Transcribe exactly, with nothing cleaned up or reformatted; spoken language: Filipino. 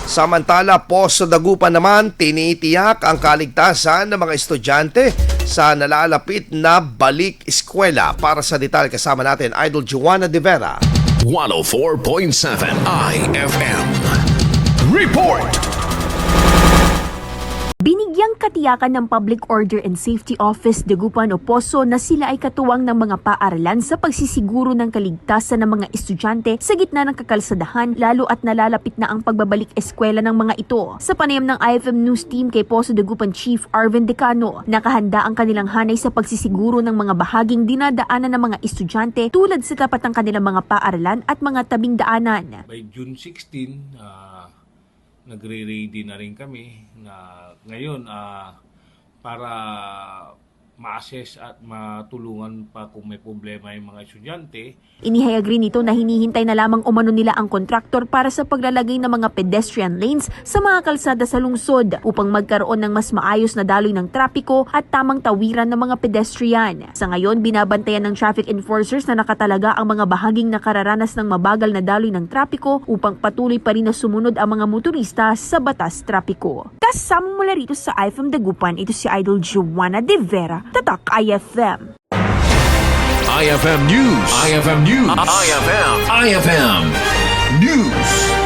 Samantala po sa Dagupan naman, tinitiyak ang kaligtasan ng mga estudyante sa nalalapit na balik eskwela. Para sa detalye kasama natin, Idol Joanna De Vera. one oh four point seven I F M. Report! Binigyang katiyakan ng Public Order and Safety Office Dagupan o Poso na sila ay katuwang ng mga paaralan sa pagsisiguro ng kaligtasan ng mga estudyante sa gitna ng kakalsadahan, lalo at nalalapit na ang pagbabalik eskwela ng mga ito. Sa panayam ng I F M News Team kay Poso Dagupan Chief Arvin Decano, nakahanda ang kanilang hanay sa pagsisiguro ng mga bahaging dinadaanan ng mga estudyante tulad sa tapat ng kanilang mga paaralan at mga tabing daanan. By June sixteen, uh, nagre-ready na rin kami na ngayon uh, para ma-assess at matulungan pa kung may problema yung mga estudyante. Inihayag rin nito na hinihintay na lamang umano nila ang kontraktor para sa paglalagay ng mga pedestrian lanes sa mga kalsada sa lungsod upang magkaroon ng mas maayos na daloy ng trapiko at tamang tawiran ng mga pedestrian. Sa ngayon, binabantayan ng traffic enforcers na nakatalaga ang mga bahaging nakararanas ng mabagal na daloy ng trapiko upang patuloy pa rin na sumunod ang mga motorista sa batas trapiko. Kasama mula rito sa I F M Dagupan, ito si Idol Joanna De Vera, Tatak I F M. I F M News. I F M News. I F M. I F M News.